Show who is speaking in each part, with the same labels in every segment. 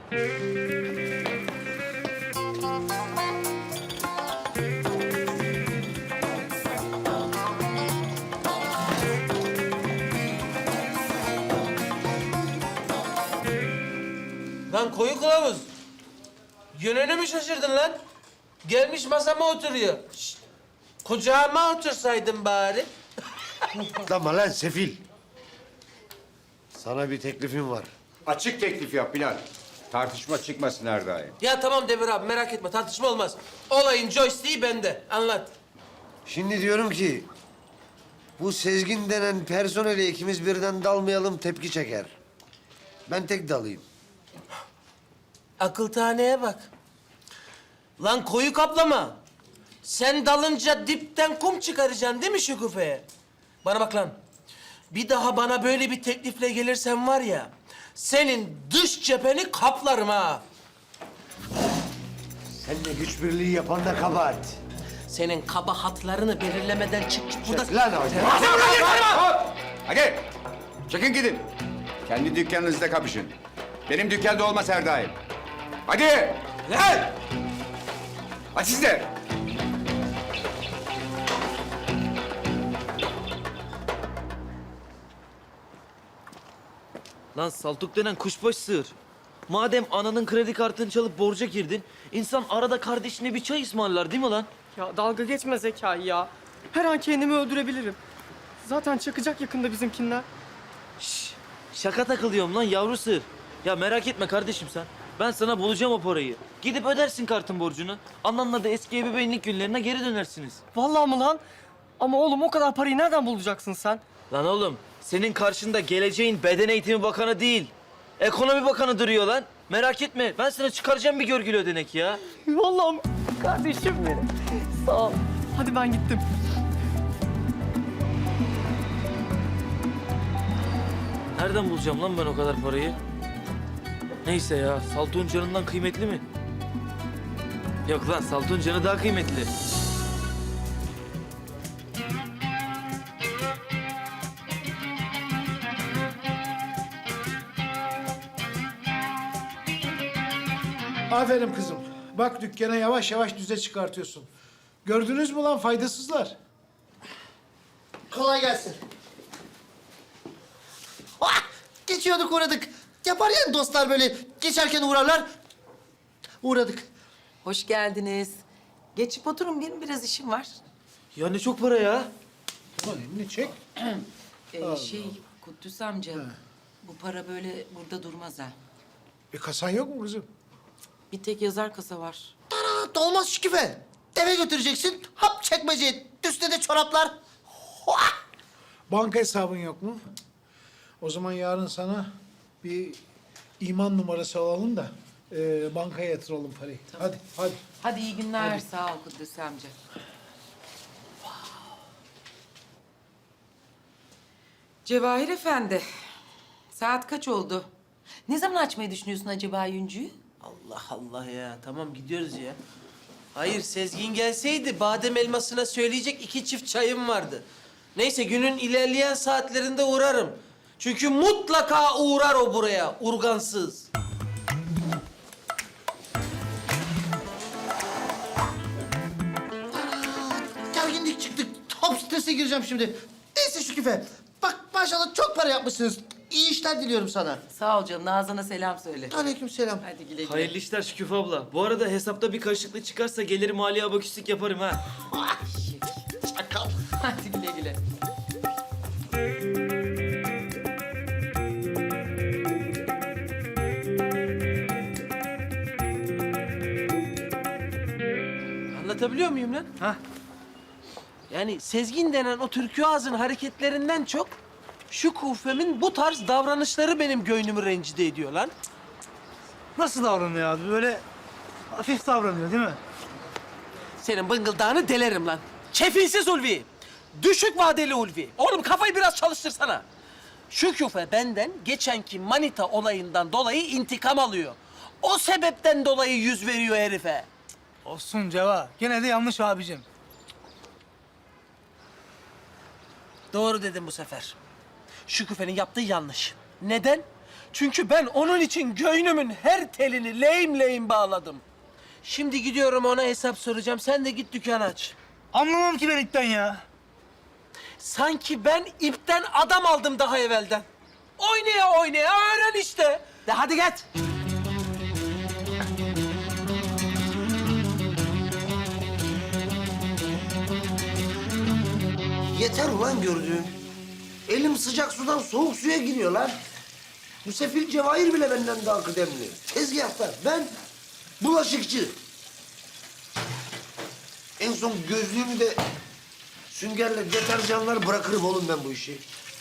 Speaker 1: Lan koyu kılavuz. Yönünü mü şaşırdın lan? Gelmiş masama oturuyor. Şişt, kucağıma otursaydın bari.
Speaker 2: Atlama lan sefil. Sana bir teklifim var.
Speaker 3: Açık teklif yap Bilal. Tartışma çıkmasın her daim.
Speaker 1: Ya tamam Demir abi merak etme tartışma olmaz. Olayın joystick'i bende. Anlat.
Speaker 2: Şimdi diyorum ki... bu Sezgin denen personeli ikimiz birden dalmayalım, tepki çeker. Ben tek dalayım.
Speaker 1: Akıl taneye bak. Lan koyu kaplama. Sen dalınca dipten kum çıkaracaksın değil mi Şükufe'ye? Bana bak lan. Bir daha bana böyle bir teklifle gelirsen var ya... senin dış cepheni kaplarım ha.
Speaker 2: Seninle güç birliği yapan da kabahat.
Speaker 1: Senin kabahatlarını belirlemeden çık git buradan.
Speaker 2: Lan hadi.
Speaker 3: Hop! Hadi! Çıkın gidin. Kendi dükkanınızda kapışın. Benim dükkanda olmaz her daim. Hadi!
Speaker 1: Lan!
Speaker 3: Hadi siz de!
Speaker 4: Lan saltuk denen kuşbaşı sığır. Madem ananın kredi kartını çalıp borca girdin, insan arada kardeşine bir çay ısmarlar değil mi lan?
Speaker 5: Ya dalga geçme Zekai ya. Her an kendimi öldürebilirim. Zaten çakacak yakında bizimkinler.
Speaker 4: Şaka takılıyorum lan yavru sığır. Ya merak etme kardeşim sen. Ben sana bulacağım o parayı. Gidip ödersin kartın borcunu. Ananla da eski ebeveynlik günlerine geri dönersiniz.
Speaker 5: Vallahi mı lan? Ama oğlum o kadar parayı nereden bulacaksın sen?
Speaker 4: Lan oğlum, senin karşında geleceğin beden eğitimi bakanı değil, ekonomi bakanı duruyor lan. Merak etme, ben sana çıkaracağım bir görgülü ödenek ya.
Speaker 5: Vallahi kardeşim benim. Sağ ol. Hadi ben gittim.
Speaker 4: Nereden bulacağım lan ben o kadar parayı? Neyse ya, Saltuk'un canından kıymetli mi? Yok lan, Saltuk'un canı daha kıymetli.
Speaker 6: Aferin kızım. Bak dükkana yavaş yavaş düze çıkartıyorsun. Gördünüz mü lan faydasızlar?
Speaker 7: Kolay gelsin. Ah! Geçiyorduk uğradık. Yapar ya dostlar böyle geçerken uğrarlar. Uğradık.
Speaker 8: Hoş geldiniz. Geçip oturun, benim biraz işim var.
Speaker 4: Ya ne çok para ya.
Speaker 6: Ulan elini çek.
Speaker 8: Kuddüs amca, bu para böyle burada durmaz ha.
Speaker 6: Kasan yok mu kızım?
Speaker 8: Bir tek yazar kasa var.
Speaker 7: Tara, olmaz Şükife. Eve götüreceksin. Hap çekmece. Üstüne de çoraplar. Hoa!
Speaker 6: Banka hesabın yok mu? O zaman yarın sana bir iman numarası alalım da bankaya yatıralım parayı. Hadi, hadi.
Speaker 8: Hadi iyi günler. Sağ ol Kuddüs amca. Cevahir Efendi, saat kaç oldu? Ne zaman açmayı düşünüyorsun acaba Yüncü'yü?
Speaker 1: Allah Allah ya. Tamam gidiyoruz ya. Hayır Sezgin gelseydi badem elmasına söyleyecek 2 çift çayım vardı. Neyse günün ilerleyen saatlerinde uğrarım. Çünkü mutlaka uğrar o buraya urgansız.
Speaker 7: Gerginlik çıktık. Top strese gireceğim şimdi. Neyse Şükife. Bak maşallah çok para yapmışsınız. İyi işler diliyorum sana.
Speaker 8: Sağ ol canım, Nazan'a selam söyle.
Speaker 7: Aleykümselam.
Speaker 8: Hadi güle güle.
Speaker 4: Hayırlı işler Şüküf abla. Bu arada hesapta bir karışıklık çıkarsa gelir maliye abaküslük yaparım ha.
Speaker 7: Çakal.
Speaker 8: Hadi güle güle.
Speaker 1: Anlatabiliyor muyum lan?
Speaker 4: Hah.
Speaker 1: Yani Sezgin denen o türkü ağzın hareketlerinden çok... şu kufemin bu tarz davranışları benim göynümü rencide ediyor lan.
Speaker 9: Nasıl davranıyor abi? Böyle hafif davranıyor değil mi?
Speaker 1: Senin bıngıldağını delerim lan. Kefilsiz Ulvi. Düşük vadeli Ulvi. Oğlum kafayı biraz çalıştırsana. Şu küfe benden geçenki manita olayından dolayı intikam alıyor. O sebepten dolayı yüz veriyor herife.
Speaker 9: Olsun Ceva. Gene de yanlış abicim.
Speaker 1: Doğru dedim bu sefer. Şu küfenin yaptığı yanlış. Neden? Çünkü ben onun için göynümün her telini lehim lehim bağladım. Şimdi gidiyorum ona hesap soracağım. Sen de git dükkan aç.
Speaker 9: Anlamam ki ben ipten ya.
Speaker 1: Sanki ben ipten adam aldım daha evvelden. Oynaya oynaya öğren işte. De hadi git.
Speaker 2: Yeter ulan gördüğün. Elim sıcak sudan soğuk suya giriyor lan. Bu sefil Cevahir bile benden daha kıdemli. Tezgahtar, ben bulaşıkçı. En son gözlüğümü de süngerle deterjanlar bırakırım oğlum ben bu işi.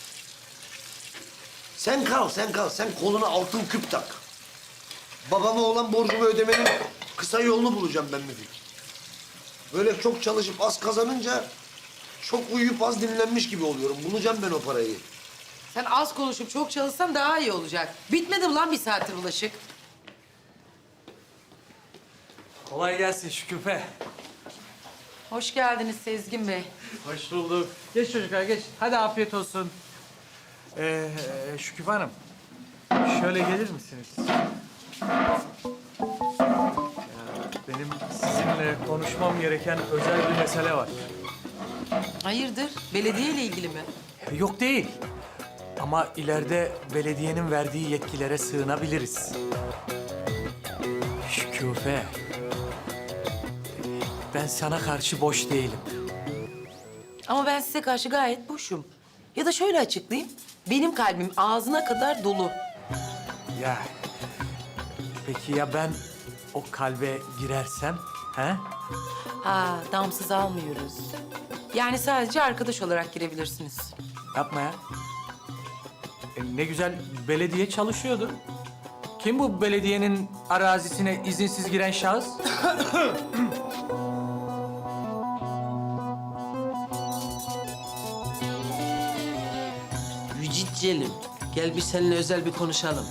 Speaker 2: Sen kal. Sen koluna altın küp tak. Babama olan borcumu ödemenin kısa yolunu bulacağım ben Müfit. Böyle çok çalışıp az kazanınca çok uyuyup az dinlenmiş gibi oluyorum. Bulacağım ben o parayı.
Speaker 8: Sen az konuşup çok çalışsan daha iyi olacak. Bitmedi mi lan bir saattir bulaşık?
Speaker 10: Kolay gelsin Şüküfe.
Speaker 8: Hoş geldiniz Sezgin Bey.
Speaker 10: Hoş bulduk. Geç çocuklar geç. Hadi afiyet olsun. Şüküfe Hanım. Şöyle gelir misiniz? Benim sizinle konuşmam gereken özel bir mesele var.
Speaker 8: Hayırdır? Belediyeyle ilgili mi?
Speaker 10: Yok değil. Ama ileride belediyenin verdiği yetkilere sığınabiliriz. Şüküfe. Ben sana karşı boş değilim.
Speaker 8: Ama ben size karşı gayet boşum. Ya da şöyle açıklayayım. Benim kalbim ağzına kadar dolu.
Speaker 10: Ya peki ya ben o kalbe girersem, he?
Speaker 8: Ha, damsız almıyoruz. Yani sadece arkadaş olarak girebilirsiniz.
Speaker 10: Yapma ya. Ne güzel belediye çalışıyordu. Kim bu belediyenin arazisine izinsiz giren şahıs?
Speaker 1: Vücut Celim, gel bir seninle özel bir konuşalım.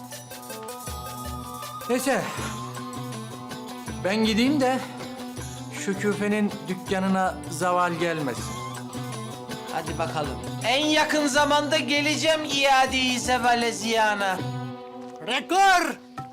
Speaker 10: Neyse. Ben gideyim de Şükufe'nin dükkanına zaval gelmesin.
Speaker 1: Hadi bakalım. En yakın zamanda geleceğim iade-i zevale ziyana.
Speaker 9: Rekor!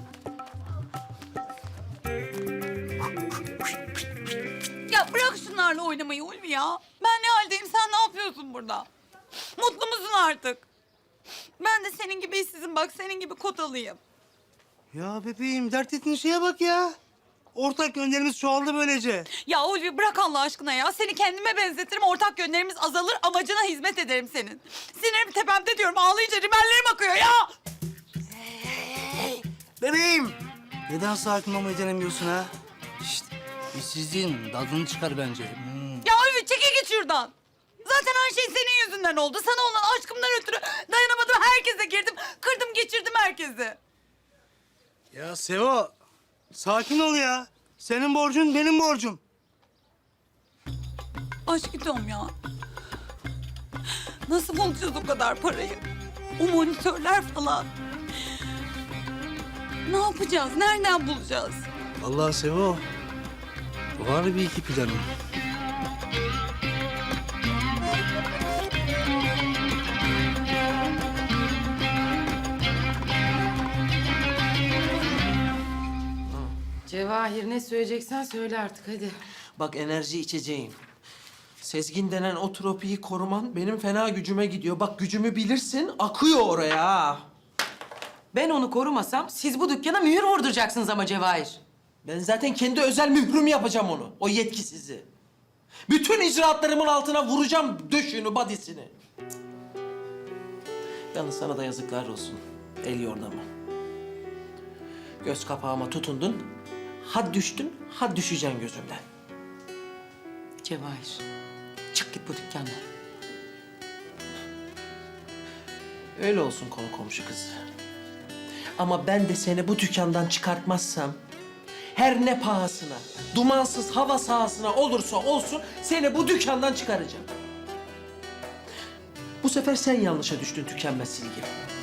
Speaker 11: Ya bırak şunlarla oynamayı Ulvi ya. Ben ne haldeyim, sen ne yapıyorsun burada? Mutlu musun artık? Ben de senin gibi işsizim bak, senin gibi kotalıyım.
Speaker 9: Ya bebeğim dert ettiğin şeye bak ya. Ortak yönlerimiz çoğaldı böylece.
Speaker 11: Ya Ulvi bırak Allah aşkına ya. Seni kendime benzetirim, ortak yönlerimiz azalır, amacına hizmet ederim senin. Sinirim tepemde diyorum, ağlayınca rimellerim akıyor ya.
Speaker 9: Bebeğim! Neden sakin olmayı denemiyorsun ha? Şşt, işsizliğin tadını çıkar bence.
Speaker 11: Ya Ulvi çekil git şuradan. Zaten her şey senin yüzünden oldu. Sana olan aşkımdan ötürü dayanamadım, herkese girdim. Kırdım geçirdim herkesi.
Speaker 9: Ya Sevo, sakin ol ya. Senin borcun benim borcum.
Speaker 11: Aşkım ya. Nasıl bulacağız o kadar parayı? O monitörler falan. Ne yapacağız? Nereden bulacağız?
Speaker 9: Vallahi Sevo, var bir iki planım.
Speaker 8: Cevahir ne söyleyeceksen söyle artık hadi.
Speaker 1: Bak enerji içeceğim. Sezgin denen o tropiyi koruman benim fena gücüme gidiyor. Bak gücümü bilirsin, akıyor oraya ha.
Speaker 8: Ben onu korumasam siz bu dükkana mühür vurduracaksınız ama Cevahir.
Speaker 1: Ben zaten kendi özel mührümü yapacağım onu, o yetkisizi. Bütün icraatlarımın altına vuracağım döşünü, badisini. Yalnız sana da yazıklar olsun. El yordamı. Göz kapağıma tutundun. Ha düştün, ha düşeceksin gözümden.
Speaker 8: Cevahir, çık git bu dükkandan.
Speaker 1: Öyle olsun konu komşu kızı. Ama ben de seni bu dükkandan çıkartmazsam... her ne pahasına, dumansız hava sahasına olursa olsun seni bu dükkandan çıkaracağım. Bu sefer sen yanlışa düştün tükenmez silgi.